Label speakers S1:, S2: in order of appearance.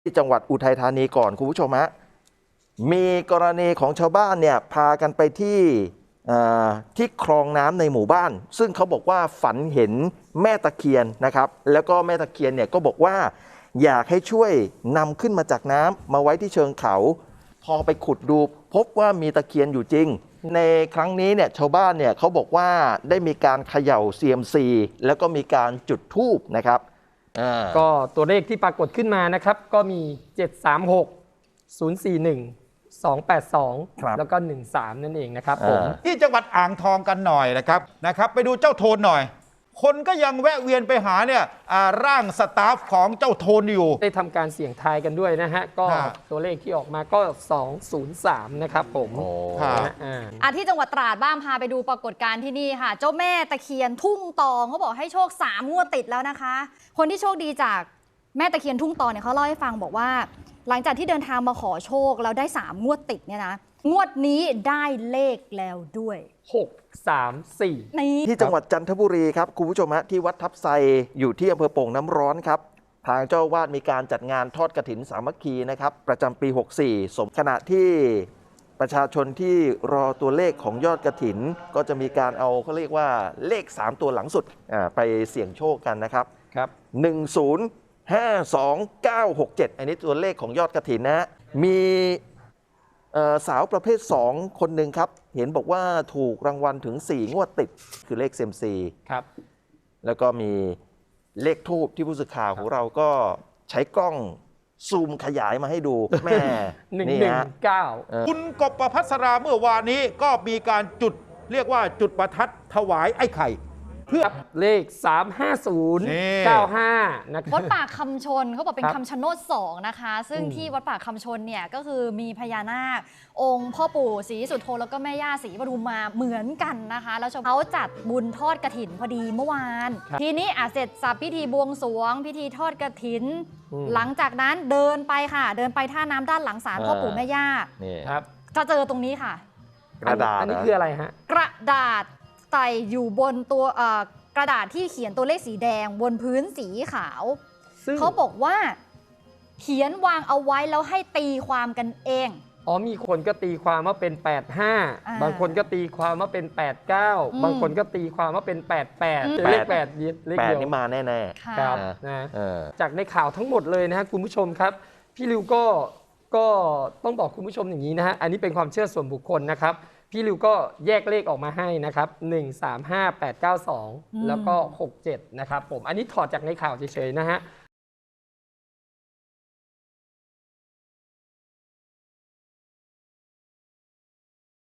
S1: ที่จังหวัดอุทัยธานีก่อนคุณผู้ชมฮะมีกรณีของชาวบ้านเนี่ยพากันไปที่คลองน้ำในหมู่บ้านซึ่งเขาบอกว่าฝันเห็นแม่ตะเคียนนะครับแล้วก็แม่ตะเคียนเนี่ยก็บอกว่าอยากให้ช่วยนำขึ้นมาจากน้ำมาไว้ที่เชิงเขาพอไปขุดดูพบว่ามีตะเคียนอยู่จริงในครั้งนี้เนี่ยชาวบ้านเนี่ยเขาบอกว่าได้มีการเขย่าเซียมซีแล้วก็มีการจุดธูปนะครับ
S2: ก็ตัวเลขที่ปรากฏขึ้นมานะครับก็มี 736 041 282 แล้วก็ 13 นั่นเองนะครับผม
S3: ที่จังหวัดอ่างทองกันหน่อยนะครับไปดูเจ้าโทนหน่อยคนก็ยังแวะเวียนไปหาเนี่ยร่างสตาฟของเจ้าโทนอยู่
S2: ได้ทำการเสี่ยงทายกันด้วยนะฮะก็ตัวเลขที่ออกมาก็ 203 นะครับผม
S4: ที่จังหวัดตราดบ้างพาไปดูปรากฏการณ์ที่นี่ค่ะเจ้าแม่ตะเคียนทุ่งตองเขาบอกให้โชค3 งวดติดแล้วนะคะคนที่โชคดีจากแม่ตะเคียนทุ่งตองเนี่ยเขาเล่าให้ฟังบอกว่าหลังจากที่เดินทางมาขอโชคแล้วได้3 งวดติดเนี่ยนะงวดนี้ได้เลขแล้วด้วย
S2: 634
S1: ที่จังหวัดจันทบุรีครับคุณผู้ชมฮะที่วัดทับไซอยู่ที่อำเภอโป่งน้ำร้อนครับทางเจ้าวาดมีการจัดงานทอดกฐินสามัคคีนะครับประจำปี 64สมขณะที่ประชาชนที่รอตัวเลขของยอดกฐินก็จะมีการเอาเขาเรียกว่าเลข3ตัวหลังสุดไปเสี่ยงโชคกันนะครับ105297อันนี้ตัวเลขของยอดกฐินนะฮะมีสาวประเภท2คนหนึ่งครับเห็นบอกว่าถูกรางวัลถึง4 งวดติดคือเลขเซมซี
S2: ครับ
S1: แล้วก็มีเลขทูปที่ผู้สื่อข่าวของเราก็ใช้กล้องซูมขยายมาให้ดูแม่
S2: 119
S3: คุณกบประภัสราเมื่อวานนี้ก็มีการจุดเรียกว่าจุดประทัดถวายไอ้ไข่
S2: เพื่อเลข35095นะครับ
S4: วัดป่าคำชนเขาบอกเป็นคำชะโนด2นะคะซึ่งที่วัดป่าคำชนเนี่ยก็คือมีพญานาคองค์พ่อปู่ศรีสุโธแล้วก็แม่ย่าศรีปทุมมาเหมือนกันนะคะแล้วเขาจัดบุญทอดกฐินพอดีเมื่อวานทีนี้เสร็จสับพิธีบวงสรวงพิธีทอดกฐินหลังจากนั้นเดินไปค่ะเดินไปท่าน้ำด้านหลังศาลพ่อปู่แม่ย่า
S2: ครับ
S4: จะเจอตรงนี้ค่ะ
S1: กระดาษ
S2: อันนี้คืออะไรฮะ
S4: กระดาษใส่อยู่บนตัวกระดาษที่เขียนตัวเลขสีแดงบนพื้นสีขาวเขาบอกว่าเขียนวางเอาไว้แล้วให้ตีความกันเอง
S2: มีคนก็ตีความว่าเป็น85บางคนก็ตีความว่าเป็น89บางคนก็ตีความว่าเป็น88เลข8เลขเดียว
S1: นี่มาแน่
S2: ๆครับนะจากในข่าวทั้งหมดเลยนะฮะคุณผู้ชมครับพี่ริวก็ต้องบอกคุณผู้ชมอย่างนี้นะฮะอันนี้เป็นความเชื่อส่วนบุคคลนะครับพี่ริวก็แยกเลขออกมาให้นะครับ135892แล้วก็67นะครับผมอันนี้ถอดจากในข่าวเฉยๆนะฮะ